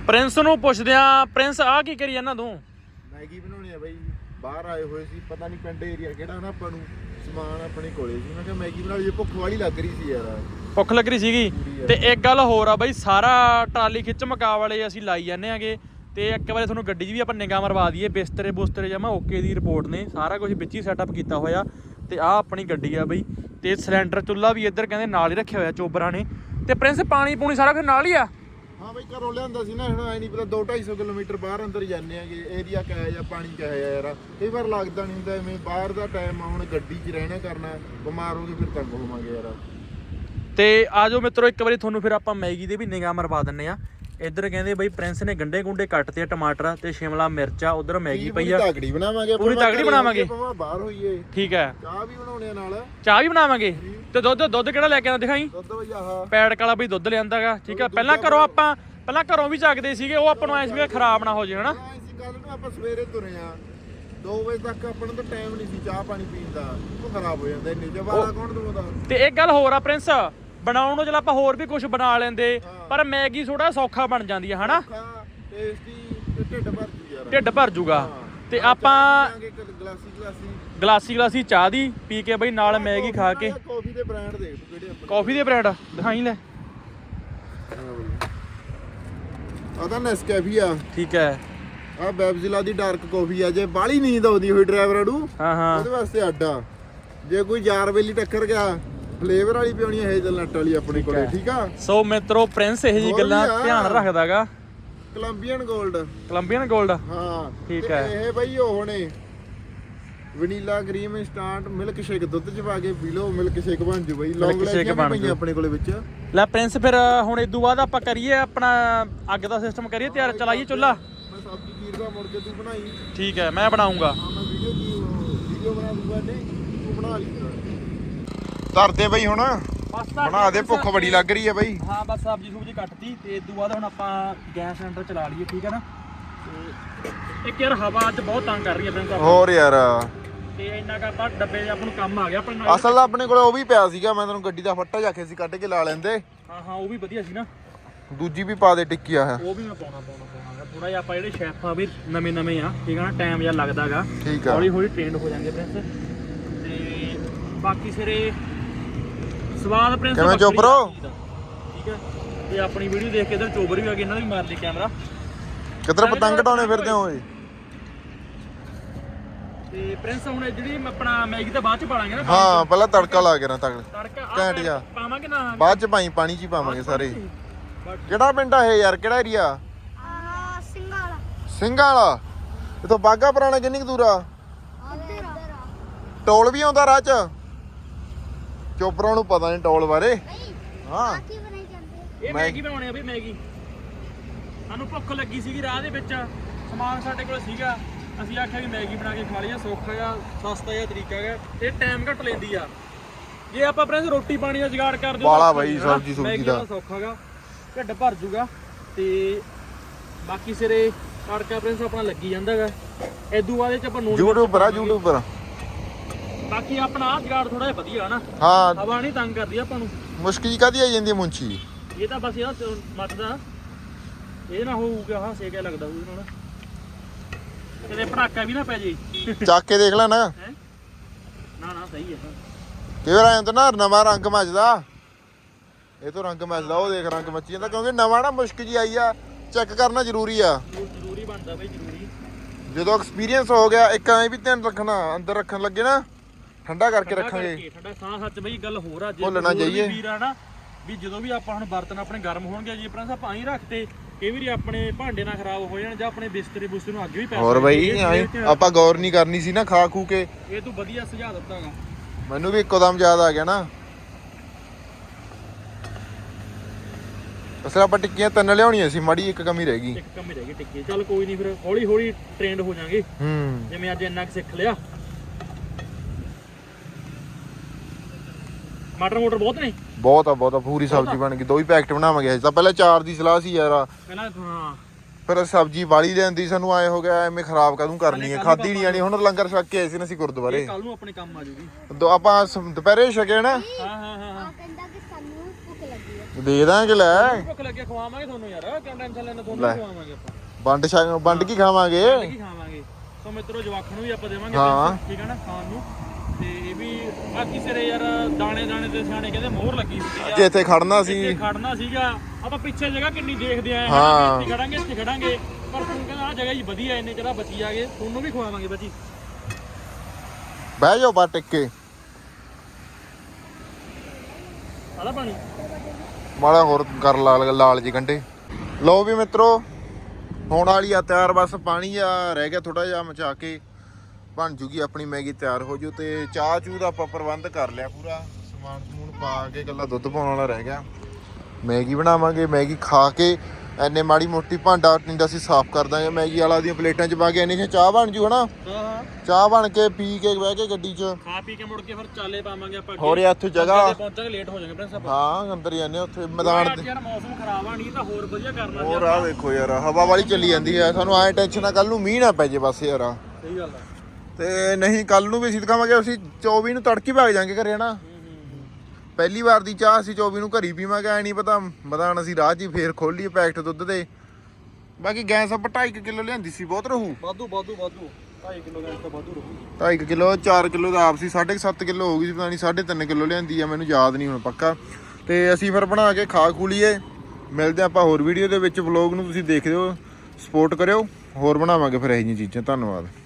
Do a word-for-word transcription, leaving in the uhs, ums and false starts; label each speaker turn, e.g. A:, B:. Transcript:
A: Prince ਨੂੰ ਪੁੱਛਦੇ ਆ, ਪ੍ਰਿੰਸ ਆ ਕੀ ਕਰੀ ਜਾਂਦਾ ਤੂੰ?
B: ਮੈਗੀ ਬਣਾਉਣੀ ਆ ਬਾਈ, ਬਾਹਰ ਆਏ ਹੋਏ ਸੀ, ਪਤਾ ਨਹੀਂ ਪਿੰਡ ਏਰੀਆ ਕਿਹੜਾ ਨਾ, ਆਪਾਂ ਨੂੰ ਸਮਾਨ ਆਪਣੇ ਕੋਲੇ ਸੀ। ਮੈਂ ਕਿਹਾ ਮੈਗੀ ਬਣਾ ਲਈਏ, ਭੁੱਖ ਵਾਲੀ ਲੱਗ ਰਹੀ ਸੀ ਯਾਰ,
A: ਭੁੱਖ ਲੱਗ ਰਹੀ ਸੀਗੀ। ਤੇ ਇੱਕ ਗੱਲ ਹੋਰ ਆ ਬਾਈ, ਸਾਰਾ ਟਰਾਲੀ ਖਿੱਚ ਮਕਾ ਵਾਲੇ ਅਸੀਂ ਲਾਈ ਜਾਂਦੇ ਆਂਗੇ। ਤੇ ਇੱਕ ਵਾਰੀ ਤੁਹਾਨੂੰ ਗੱਡੀ 'ਚ ਵੀ ਆਪਾਂ ਨਿਗਾਹ ਮਰਵਾ ਦਈਏ, ਬਿਸਤਰੇ ਬੁਸਤਰੇ ਜਮਾ ਓਕੇ ਦੀ ਰਿਪੋਰਟ ਨੇ, ਸਾਰਾ ਕੁਝ ਵਿੱਚ ਹੀ ਸੈਟਅਪ ਕੀਤਾ ਹੋਇਆ। ਤੇ ਆਹ ਆਪਣੀ ਗੱਡੀ ਆ ਬਈ, ਤੇ ਸਿਲੰਡਰ ਚੁੱਲ੍ਹਾ ਵੀ ਇੱਧਰ ਕਹਿੰਦੇ ਨਾਲ ਹੀ ਰੱਖਿਆ ਹੋਇਆ ਚੋਬਰਾਂ ਨੇ। ਤੇ ਪ੍ਰਿੰਸ ਪਾਣੀ ਪੂਣੀ ਸਾਰਾ ਕੁਝ ਨਾਲ ਹੀ ਆ?
B: ਹਾਂ ਬਈ ਘਰੋਂ ਲਿਆਂਦਾ ਸੀ ਨਾ, ਹੁਣ ਐ ਨਹੀਂ ਪਤਾ ਦੋ ਢਾਈ ਸੌ ਕਿਲੋਮੀਟਰ ਬਾਹਰ ਅੰਦਰ ਜਾਂਦੇ ਆਗੇ, ਏਰੀਆ ਕਿਹਾ ਜਾਂ ਪਾਣੀ ਕਿਹਾ ਯਾਰ, ਕਈ ਵਾਰ ਲੱਗਦਾ ਨਹੀਂ ਹੁੰਦਾ ਐਵੇਂ, ਬਾਹਰ ਦਾ ਟਾਈਮ ਆ, ਹੁਣ ਗੱਡੀ 'ਚ ਰਹਿਣਾ ਕਰਨਾ, ਬਿਮਾਰ ਹੋ ਕੇ ਫਿਰ ਤੰਗ ਹੋਵਾਂਗੇ ਯਾਰ। ਤੇ ਆ ਜਾਓ ਮਿੱਤਰੋ, ਇੱਕ ਵਾਰੀ ਤੁਹਾਨੂੰ ਫਿਰ ਆਪਾਂ ਮੈਗੀ ਦੇ ਵੀ ਨਿਗਾਹ ਮਰਵਾ ਦਿੰਨੇ ਆ। ਇੱਧਰ ਕਹਿੰਦੇ ਬਈ ਪ੍ਰਿੰਸ ਨੇ ਗੰਡੇ ਗੁੰਡੇ ਕੱਟਤੇ ਆ, ਟਮਾਟਰ ਤੇ ਸ਼ਿਮਲਾ ਮਿਰਚਾ, ਉਧਰ ਮੈਗੀ ਪਈ ਆ। ਤਗੜੀ ਬਣਾਵਾਂਗੇ,
A: ਪੂਰੀ ਤਗੜੀ ਬਣਾਵਾਂਗੇ,
B: ਬਾਹਰ ਹੋਈਏ।
A: ਠੀਕ ਹੈ,
B: ਚਾਹ ਵੀ ਬਣਾਉਣੇ ਨਾਲ, ਚਾਹ
A: ਚਾਹ ਵੀ ਬਣਾਵਾਂਗੇ। ਤੇ ਦੁੱਧ ਦੁੱਧ ਕਿਹੜਾ ਲੈ ਕੇ ਆਉਂਦਾ ਦਿਖਾਈ?
B: ਦੁੱਧ ਬਈ ਆਹ
A: ਪੈੜਕ ਵਾਲਾ ਬਈ ਦੁੱਧ ਲਿਆਂਦਾਗਾ। ਠੀਕ ਹੈ, ਪਹਿਲਾਂ ਘਰੋਂ ਆਪਾਂ ਪਹਿਲਾਂ ਘਰੋਂ ਵੀ ਚੱਕਦੇ ਸੀਗੇ, ਉਹ ਆਪਾਂ ਨੂੰ ਐਂ ਸੀ ਵੀ ਖਰਾਬ ਨਾ ਹੋ ਜੇ ਹਨਾ।
B: ਅਸੀਂ ਕੱਲ ਨੂੰ ਆਪਾਂ ਸਵੇਰੇ ਤੁਰੇ ਆ ਦੋ ਵਜੇ ਤੱਕ, ਆਪਾਂ ਨੂੰ ਤਾਂ ਟਾਈਮ ਨਹੀਂ ਸੀ ਚਾਹ ਪਾਣੀ ਪੀਣ ਦਾ, ਉਹ ਖਰਾਬ ਹੋ ਜਾਂਦਾ ਇੰਨੇ ਜਵਾਲਾ ਕੌਣ ਦਵਾਉਂਦਾ।
A: ਤੇ ਇੱਕ ਗੱਲ ਹੋਰ ਆ ਪ੍ਰਿੰਸ, ਬਣਾਉਣ ਨੂੰ ਚਲ ਆਪਾਂ ਹੋਰ ਵੀ ਕੁਝ ਬਣਾ ਲੈਂਦੇ, ਪਰ ਮੈਗੀ ਥੋੜਾ ਸੌਖਾ ਬਣ ਜਾਂਦੀ ਹੈ ਹਨਾ,
B: ਟੇਸਟੀ ਤੇ ਢਿੱਡ ਭਰ ਜੂ ਯਾਰ,
A: ਢਿੱਡ ਭਰ ਜੂਗਾ। ਤੇ ਆਪਾਂ
B: ਗਲਾਸੀ ਗਲਾਸੀ
A: ਗਲਾਸੀ ਗਲਾਸੀ ਚਾਹ ਦੀ ਪੀ ਕੇ ਬਈ ਨਾਲ ਮੈਗੀ ਖਾ ਕੇ।
B: ਕਾਫੀ ਦੇ ਬ੍ਰਾਂਡ ਦੇਖ ਤੂੰ ਕਿਹੜੇ ਆਪਣੇ,
A: ਕਾਫੀ ਦੇ ਬ੍ਰਾਂਡ ਦਿਖਾਈ ਲੈ।
B: ਆ ਤਾਂ ਨੈਸਕੈਫੇ ਆ,
A: ਠੀਕ ਹੈ।
B: ਆ ਬੈਬਜ਼ਿਲਾ ਦੀ ਡਾਰਕ ਕਾਫੀ ਆ, ਜੇ ਬਾਹਲੀ ਨੀਂਦ ਆਉਂਦੀ ਹੋਈ ਡਰਾਈਵਰ ਨੂੰ
A: ਹਾਂ ਹਾਂ
B: ਉਹਦੇ ਵਾਸਤੇ ਅੱਡਾ। ਜੇ ਕੋਈ ਯਾਰ ਵੇਲੀ ਟੱਕਰ ਗਿਆ, ਫਲੇਵਰ ਵਾਲੀ ਪਿਉਣੀ ਹੈ ਹੇਜ਼ਲਨਟ ਵਾਲੀ ਆਪਣੇ ਕੋਲੇ, ਠੀਕ ਆ।
A: ਸੋ ਮਿੱਤਰੋ ਪ੍ਰਿੰਸ ਇਹ ਜੀ ਗੱਲਾਂ ਧਿਆਨ ਰੱਖਦਾਗਾ।
B: ਕੋਲੰਬੀਅਨ 골ਡ,
A: ਕੋਲੰਬੀਅਨ 골ਡ,
B: ਹਾਂ
A: ਠੀਕ ਹੈ।
B: ਇਹ ਬਈ ਉਹ ਨੇ vanilla cream instant milk shake, ਦੁੱਧ ਚ ਪਾ ਕੇ ਪੀ ਲਓ, ਮਿਲਕ ਸ਼ੇਕ ਬਣ ਜੂ ਬਈ। ਲੌਂਗ
A: ਸ਼ੇਕ ਬਣ
B: ਪਈਆਂ ਆਪਣੇ ਕੋਲੇ ਵਿੱਚ।
A: ਲੈ ਪ੍ਰਿੰਸ ਫਿਰ ਹੁਣ ਇਦੋਂ ਬਾਅਦ ਆਪਾਂ ਕਰੀਏ ਆਪਣਾ ਅੱਗ ਦਾ ਸਿਸਟਮ ਕਰੀਏ ਤਿਆਰ, ਚਲਾਈਏ ਚੁੱਲ੍ਹਾ।
B: ਮੈਂ ਸਬਜ਼ੀ ਚੀਰ ਦਾ ਮੁੜ ਕੇ ਤੂੰ ਬਣਾਈ।
A: ਠੀਕ ਹੈ, ਮੈਂ ਬਣਾਉਂਗਾ।
B: ਹਾਂ ਮੈਂ ਵੀਡੀਓ ਕੀ ਵੀਡੀਓ ਬਣਾ ਦੂੰਗਾ, ਨਹੀਂ ਤੂੰ ਬਣਾ ਲਈ ਧਰਦੇ ਬਈ ਹੁਣ, ਬਣਾ ਦੇ, ਭੁੱਖ ਬੜੀ ਲੱਗ ਰਹੀ ਹੈ ਬਈ।
A: ਹਾਂ ਬਸ ਸਬਜ਼ੀ ਸੁਬਜੀ ਕੱਟਤੀ, ਤੇ ਇਦੋਂ ਬਾਅਦ ਹੁਣ ਆਪਾਂ ਗੈਸ ਸਿਲੰਡਰ ਚਲਾ ਲਈਏ, ਠੀਕ ਹੈ ਨਾ। ਤੇ ਇੱਕ ਯਾਰ ਹਵਾ ਅੱਜ ਬਹੁਤ ਤੰਗ ਕਰ ਰਹੀ ਹੈ ਪ੍ਰਿੰਸ।
B: ਹੋਰ ਯਾਰ,
A: ਤੇ ਇੰਨਾ ਕੁ ਆਪਾਂ ਡੱਬੇ ਆਪਾਂ ਨੂੰ ਕੰਮ ਆ ਗਿਆ ਆਪਣੇ ਨਾਲ।
B: ਅਸਲ ਆਪਣੇ ਕੋਲੇ ਉਹ ਵੀ ਪਿਆ ਸੀਗਾ, ਮੈਂ ਤੈਨੂੰ ਗੱਡੀ ਦਾ ਫੱਟਾ ਜਾ ਕੇ ਸੀ ਕੱਢ ਕੇ ਲਾ ਲੈਂਦੇ।
A: ਹਾਂ ਹਾਂ ਉਹ ਵੀ ਵਧੀਆ ਸੀ ਨਾ,
B: ਦੂਜੀ ਵੀ ਪਾ ਦੇ ਟਿੱਕੀ ਆ,
A: ਉਹ ਵੀ ਮੈਂ ਪਾਉਣਾ ਪਾਉਣਾ ਪਾਉਣਾ ਥੋੜਾ ਜਿਹਾ। ਆਪਾਂ ਜਿਹੜੇ ਸ਼ੈਫ ਆ ਵੀ ਨਵੇਂ ਨਵੇਂ ਆ, ਠੀਕ ਆ ਨਾ, ਟਾਈਮ ਜਿਹਾ ਲੱਗਦਾਗਾ,
B: ਠੀਕ ਆ,
A: ਹੌਲੀ ਹੌਲੀ ਟ੍ਰੇਨਡ ਹੋ ਜਾਂਦੇ ਪ੍ਰਿੰਸ। ਤੇ ਬਾਕੀ ਸਿਰੇ ਸਵਾਦ ਪ੍ਰਿੰਸ
B: ਕਿਵੇਂ ਚੋਬਰੋ,
A: ਠੀਕ ਹੈ। ਤੇ ਆਪਣੀ ਵੀਡੀਓ ਦੇਖ ਕੇ ਇਧਰ ਚੋਬਰ ਵੀ ਆ ਗਏ, ਇਹਨਾਂ ਦਾ ਵੀ ਮਾਰ ਲਈ ਕੈਮਰਾ।
B: ਕਿੱਧਰ ਪਤੰਗ ਟਾਉਣੇ ਫਿਰਦੇ ਓਏ।
A: ਤੇ ਪ੍ਰਿੰਸ ਹੁਣ ਜਿਹੜੀ ਆਪਣਾ ਮੈਗੀ ਤਾਂ ਬਾਅਦ ਚ ਪਾ ਲਾਂਗੇ ਨਾ।
B: ਹਾਂ ਪਹਿਲਾਂ ਤੜਕਾ ਲਾ ਕੇ ਨਾ, ਤੜਕਾ
A: ਤੜਕਾ
B: ਘੈਂਟ ਜਾ
A: ਪਾਵਾਂਗੇ ਨਾ,
B: ਬਾਅਦ ਚ ਪਾਈ, ਪਾਣੀ ਚ ਹੀ ਪਾਵਾਂਗੇ ਸਾਰੇ। ਕਿਹੜਾ ਪਿੰਡ ਆ ਇਹ ਯਾਰ, ਕਿਹੜਾ ਏਰੀਆ?
C: ਆਹ ਸਿੰਘਾਂ ਵਾਲਾ,
B: ਸਿੰਘਾਂ ਵਾਲਾ। ਇਥੋਂ ਬਾਗਾ ਪੁਰਾਣਾ ਕਿੰਨੀ ਕੁ ਦੂਰ ਆ?
C: ਉੱਧਰ ਆ।
B: ਟੋਲ ਵੀ ਆਉਂਦਾ ਰਾਹ ਚ? ਚੋਪਰਾਂ ਨੂੰ ਪਤਾ ਨਹੀਂ ਟੋਲ ਬਾਰੇ। ਹਾਂ
C: ਕੀ ਬਣਾਈ ਜਾਂਦੇ?
A: ਇਹ ਮੈਗੀ ਬਣਾਉਣੀ ਆ ਬਈ, ਮੈਗੀ। ਸਾਨੂੰ ਭੁੱਖ ਲੱਗੀ ਸੀਗੀ ਰਾਹ ਦੇ ਵਿੱਚ, ਸਮਾਨ ਸਾਡੇ ਕੋਲ ਸੀਗਾ, ਅਸੀਂ ਆਖਿਆ ਵੀ ਮੈਗੀ ਬਣਾ ਕੇ ਖਾ ਲਈਏ, ਸੌਖਾ ਜਿਹਾ ਸਸਤਾ ਜਿਹਾ ਤਰੀਕਾ ਹੈ, ਇਹ ਟਾਈਮ ਘੱਟ ਲੈਂਦੀ ਆ। ਜੇ ਆਪਾਂ ਪ੍ਰਿੰਸ ਰੋਟੀ ਪਾਣੀ ਦਾ ਜੁਗਾੜ ਕਰ ਦਿਓ
B: ਬਾਲਾ ਬਾਈ, ਸਬਜ਼ੀ ਸੁਬਜ਼ੀ ਦਾ
A: ਸੌਖਾ ਗਾ, ਢਿੱਡ ਭਰ ਜੂਗਾ। ਤੇ ਬਾਕੀ ਸਿਰੇ ਤੜਕਾ ਪ੍ਰਿੰਸ ਆਪਣਾ ਲੱਗੀ ਜਾਂਦਾਗਾ। ਇਦੋਂ ਬਾਅਦ ਚ ਆਪਾਂ ਨੂਨ
B: ਯੂਟਿਊਬਰ ਆ, ਯੂਟਿਊਬਰ।
A: ਬਾਕੀ ਆਪਣਾ ਆਹ ਜੁਗਾੜ ਥੋੜਾ ਜਿਹਾ ਵਧੀਆ ਹਨਾ,
B: ਹਾਂ
A: ਹਵਾ ਨਹੀਂ ਤੰਗ ਕਰਦੀ ਆਪਾਂ ਨੂੰ।
B: ਮੁਸ਼ਕਿਲ ਕਾਦੀ ਆ ਜਾਂਦੀ ਮੁੰਚੀ,
A: ਇਹ ਤਾਂ ਬਸ ਇਹਦਾ ਮੱਚਦਾ, ਇਹ ਨਾ ਹੋਊਗਾ ਹਾਂ ਸੇਕਿਆ ਲੱਗਦਾ ਉਹਦੇ ਨਾਲ, ਕਿਤੇ ਪਟਾਕਾ ਵੀ ਨਾ ਪੈ ਜੇ।
B: ਚੱਕ ਕੇ ਦੇਖ ਲੈ ਨਾ,
A: ਨਾ ਨਾ ਸਹੀ ਹੈ।
B: ਕਈ ਵਾਰ ਐਂ ਤਾਂ ਨਾ ਨਵਾਂ ਰੰਗ ਮੱਚਦਾ, ਇਹ ਤੋਂ ਰੰਗ ਮੱਚਦਾ, ਉਹ ਦੇਖ ਰੰਗ ਮੱਚੀ ਜਾਂਦਾ, ਕਿਉਂਕਿ ਨਵਾਂ ਨਾ ਮੁਸ਼ਕਿਲ ਜੀ ਆਈ ਆ, ਚੈੱਕ ਕਰਨਾ ਜ਼ਰੂਰੀ ਆ,
A: ਜ਼ਰੂਰੀ ਬਣਦਾ ਬਈ, ਜ਼ਰੂਰੀ।
B: ਜਦੋਂ ਐਕਸਪੀਰੀਅੰਸ ਹੋ ਗਿਆ, ਇੱਕ ਐਂ ਵੀ ਧਿਆਨ ਰੱਖਣਾ, ਅੰਦਰ ਰੱਖਣ ਲੱਗੇ ਨਾ ਠੰਡਾ ਕਰਕੇ ਰੱਖਾਂਗੇ।
A: ਠੰਡਾ ਸਾਹ ਸੱਚ ਬਈ ਗੱਲ ਹੋਰ ਆ, ਜੇ
B: ਭੁੱਲਣਾ ਚਾਹੀਏ
A: ਵੀਰ ਆ ਨਾ ਵੀ ਜਦੋਂ ਵੀ ਆਪਾਂ ਹੁਣ ਬਰਤਨ ਆਪਣੇ ਗਰਮ ਹੋਣਗੇ, ਜੀ ਪ੍ਰਿੰਸ ਆਪਾਂ ਐਂ ਰੱਖਤੇ, ਕਈ ਵਾਰੀ ਆਪਣੇ ਭਾਂਡੇ ਨਾ ਖਰਾਬ ਹੋ ਜਾਣ, ਜਾਂ ਆਪਣੇ ਬਿਸਤਰੇ ਬੁਸਤਰੇ ਨੂੰ ਅੱਗੇ ਵੀ ਪੈ
B: ਹੋਰ ਬਈ ਆਪਾਂ ਗੌਰ ਨਹੀਂ ਕਰਨੀ ਸੀ ਨਾ ਖਾ ਖੂ ਕੇ।
A: ਇਹ ਤੂੰ ਵਧੀਆ ਸੁਝਾਅ ਦਿੱਤਾਗਾ,
B: ਮੈਨੂੰ ਵੀ ਇੱਕੋ ਦਮ ਯਾਦ ਆ ਗਿਆ ਨਾ। ਅਸਲ ਆਪਾਂ ਟਿੱਕੀਆਂ ਤਿੰਨ ਲਿਆਉਣੀਆਂ ਸੀ, ਮਾੜੀ ਇੱਕ ਕਮੀ ਰਹਿ ਗਈ,
A: ਇੱਕ ਕਮੀ ਰਹਿ ਗਈ ਟਿੱਕੀ। ਚੱਲ ਕੋਈ ਨਹੀਂ, ਫਿਰ ਹੌਲੀ ਹੌਲੀ ਟ੍ਰੇਨਡ ਹੋ ਜਾਾਂਗੇ,
B: ਹੂੰ
A: ਜਿਵੇਂ ਅੱਜ ਇੰਨਾ ਕੁ ਸਿੱਖ ਲਿਆ। ਮਟਰ ਮੋਟਰ ਬਹੁਤ ਨੇ,
B: ਬਹੁਤ ਆ ਬਹੁਤ ਆ, ਪੂਰੀ ਸਬਜ਼ੀ ਬਣ ਗਈ। ਦੋ ਹੀ ਪੈਕਟ ਬਣਾਵਾਂਗੇ ਅੱਜ ਤਾਂ, ਪਹਿਲਾਂ ਚਾਰ ਦੀ ਸਲਾਹ ਸੀ ਯਾਰ,
A: ਪਹਿਲਾਂ ਹਾਂ
B: ਫਿਰ ਸਬਜ਼ੀ ਵਾਲੀ ਲੈਂਦੀ, ਸਾਨੂੰ ਆਏ ਹੋ ਗਿਆ ਐਵੇਂ ਖਰਾਬ ਕਦੋਂ ਕਰਨੀ ਹੈ, ਖਾਦੀ ਨਹੀਂ ਜਾਣੀ। ਹੁਣ ਲੰਗਰ ਛਕ ਕੇ ਆਏ ਸੀ ਨਾ ਅਸੀਂ ਗੁਰਦੁਆਰੇ,
A: ਕੱਲ ਨੂੰ ਆਪਣੇ ਕੰਮ ਆ ਜੂਗੀ।
B: ਆਪਾਂ ਦੁਪਹਿਰੇ ਛਕੇ ਨਾ।
A: ਹਾਂ ਹਾਂ ਹਾਂ
C: ਆ ਕਹਿੰਦਾ ਕਿ ਸਾਨੂੰ ਭੁੱਖ ਲੱਗੀ ਹੈ,
B: ਦੇ ਦਾਂਗੇ ਲੈ
A: ਭੁੱਖ ਲੱਗੇ ਖਵਾਵਾਂਗੇ ਤੁਹਾਨੂੰ ਯਾਰ ਕਿਉਂ ਟੈਨਸ਼ਨ ਲੈਣਾ ਤੁਹਾਨੂੰ
B: ਲੈ।
A: ਖਵਾਵਾਂਗੇ ਆਪਾਂ
B: ਵੰਡ ਛਕ ਵੰਡ ਕੀ ਖਾਵਾਂਗੇ
A: ਕੀ ਖਾਵਾਂਗੇ ਸੋ ਮਿੱਤਰੋ ਜਵਾਖਾਂ ਨੂੰ ਵੀ ਆਪਾਂ ਦੇਵਾਂਗੇ
B: ਹਾਂ।
A: ਪੈਸੇ, ਠੀਕ ਹੈ ਨਾ ਖਾਣ ਨੂੰ ਤੇ ਇਹ ਵੀ ਬਾਕੀ ਸਿਰੇ ਯਾਰ ਦਾਣੇ ਦਾਣੇ ਤੇ ਸਿਆਣੇ ਕਹਿੰਦੇ ਮੋਹਰ ਲੱਗੀ ਹੁੰਦੀ ਆ
B: ਜੇ ਇੱਥੇ ਖੜਨਾ ਸੀ
A: ਇੱਥੇ ਖੜਨਾ ਸੀਗਾ ਆਪਾਂ ਪਿੱਛੇ ਜਗ੍ਹਾ ਕਿੰਨੀ ਦੇਖਦੇ ਆਏ
B: ਹਾਂ।
A: ਇੱਥੇ ਖੜਾਂਗੇ ਇੱਥੇ ਖੜਾਂਗੇ ਪਰ ਤੂੰ ਕਹਿੰਦਾ ਆ ਜਗ੍ਹਾ ਹੀ ਵਧੀਆ ਇੰਨੇ ਚਿਰ ਬਚੀ ਆਗੇ ਤੁਹਾਨੂੰ ਵੀ ਖਵਾਵਾਂਗੇ ਬੱਚੀ
B: ਬਹਿ ਜਾਓ ਬਾ ਟਿੱਕੇ
A: ਆਲਾ ਪਾਣੀ
B: ਮਾੜਾ ਹੋਰ ਕਰ ਲਾਲ ਲਾਲ ਜੀ ਗੰਢੇ ਲਓ ਵੀ ਮਿੱਤਰੋ ਹੋਣ ਵਾਲੀ ਆ ਤਿਆਰ ਬਸ ਪਾਣੀ ਆ ਰਹਿ ਗਿਆ ਥੋੜਾ ਜਿਹਾ ਮਚਾ ਕੇ ਬਣ ਜੂਗੀ ਆਪਣੀ ਮੈਗੀ ਤਿਆਰ ਹੋ ਜੂ ਤੇ ਚਾਹ ਚੂਹ ਦਾ ਆਪਾਂ ਪ੍ਰਬੰਧ ਕਰ ਲਿਆ ਪੂਰਾ ਸਮਾਨ ਸਮੂਨ ਪਾ ਕੇ ਇਕੱਲਾ ਦੁੱਧ ਪਾਉਣ ਵਾਲਾ ਰਹਿ ਗਿਆ ਮੈਗੀ ਬਣਾਵਾਂਗੇ ਮੈਗੀ ਖਾ ਕੇ ਐਨੇ ਮਾੜੀ ਮੋਟੀ ਭਾਂਡਾ ਟਿੰਡਾ ਅਸੀਂ ਸਾਫ਼ ਕਰ ਦਾਂਗੇ ਮੈਗੀ ਵਾਲਾ ਦੀਆਂ ਪਲੇਟਾਂ 'ਚ ਪਾ ਕੇ ਐਨੇ 'ਚ ਚਾਹ ਬਣ ਜੂ ਹਨਾ
A: ਹਾਂ ਹਾਂ
B: ਚਾਹ ਬਣ ਕੇ ਪੀ ਕੇ ਬਹਿ ਕੇ ਗੱਡੀ 'ਚ
A: ਖਾ ਪੀ ਕੇ ਮੁੜ ਕੇ ਫਿਰ ਚਾਲੇ ਪਾਵਾਂਗੇ ਆਪਾਂ
B: ਹੋਰ ਯਾਰ ਇੱਥੇ ਜਗ੍ਹਾ
A: ਪਹੁੰਚਾਂਗੇ ਲੇਟ ਹੋ ਜਾਵਾਂਗੇ ਪ੍ਰਿੰਸ ਆਪਾਂ
B: ਹਾਂ ਅੰਦਰ ਜਾਂਦੇ ਉੱਥੇ ਮੈਦਾਨ ਦੇ
A: ਯਾਰ ਮੌਸਮ ਖਰਾਬ ਆ ਨਹੀਂ ਤਾਂ ਹੋਰ ਵਧੀਆ ਕਰਨਾ ਸੀ
B: ਹੋਰ ਆ ਦੇਖੋ ਯਾਰ ਹਵਾ ਵਾਲੀ ਚੱਲੀ ਜਾਂਦੀ ਹੈ ਸਾਨੂੰ ਐ ਟੈਨਸ਼ਨ ਆ ਕੱਲ ਨੂੰ ਮੀਂਹ ਨਾ ਪੈ ਜੇ ਬਸ ਯਾਰ
A: ਸਹੀ ਗੱਲ ਆ
B: ਤੇ ਨਹੀਂ ਕੱਲ ਨੂੰ ਵੀ ਅਸੀਂ ਦਿਖਾਵਾਂਗੇ ਅਸੀਂ ਚੌਵੀ ਨੂੰ ਤੜਕੀ ਭਾਗ ਜਾਾਂਗੇ ਘਰੇ ਹਨਾ ਪਹਿਲੀ ਵਾਰ ਦੀ ਚਾਹ ਅਸੀਂ ਚੌਵੀ ਨੂੰ ਘਰੀ ਪੀਵਾਂਗੇ ਐ ਨਹੀਂ ਪਤਾ ਮਦਾਨ ਅਸੀਂ ਰਾਹ 'ਚ ਹੀ ਫੇਰ ਖੋਲੀਏ ਪੈਕਟ ਦੁੱਧ ਦੇ ਬਾਕੀ ਗੈਸ ਆਪਾਂ ਢਾਈ ਕਿਲੋ ਲਿਆਂਦੀ ਸੀ ਬਹੁਤ ਰਹੂ
A: ਵਾਧੂ ਵਾਧੂ ਵਾਧੂ ਢਾਈ ਕਿਲੋ ਗੈਸ ਤਾਂ ਵਾਧੂ ਰਹੂ
B: ਢਾਈ ਕਿਲੋ ਚਾਰ ਕਿਲੋ ਦਾ ਆਪ ਸੀ ਸਾਢੇ ਕੁ ਸੱਤ ਕਿਲੋ ਹੋ ਗਈ ਸੀ ਪਤਾ ਨਹੀਂ ਸਾਢੇ ਤਿੰਨ ਕਿਲੋ ਲਿਆਂਦੀ ਆ ਮੈਨੂੰ ਯਾਦ ਨਹੀਂ ਹੁਣ ਪੱਕਾ ਤੇ ਅਸੀਂ ਫਿਰ ਬਣਾ ਕੇ ਖਾ ਖੂ ਲਈਏ ਮਿਲਦੇ ਆਪਾਂ ਹੋਰ ਵੀਡੀਓ ਦੇ ਵਿੱਚ ਵਲੌਗ ਨੂੰ ਤੁਸੀਂ ਦੇਖਦੇ ਹੋ ਸਪੋਰਟ ਕਰਿਓ ਹੋਰ ਬਣਾਵਾਂਗੇ ਫਿਰ ਇਹੋ ਜਿਹੀਆਂ ਚੀਜ਼ਾਂ ਧੰਨਵਾਦ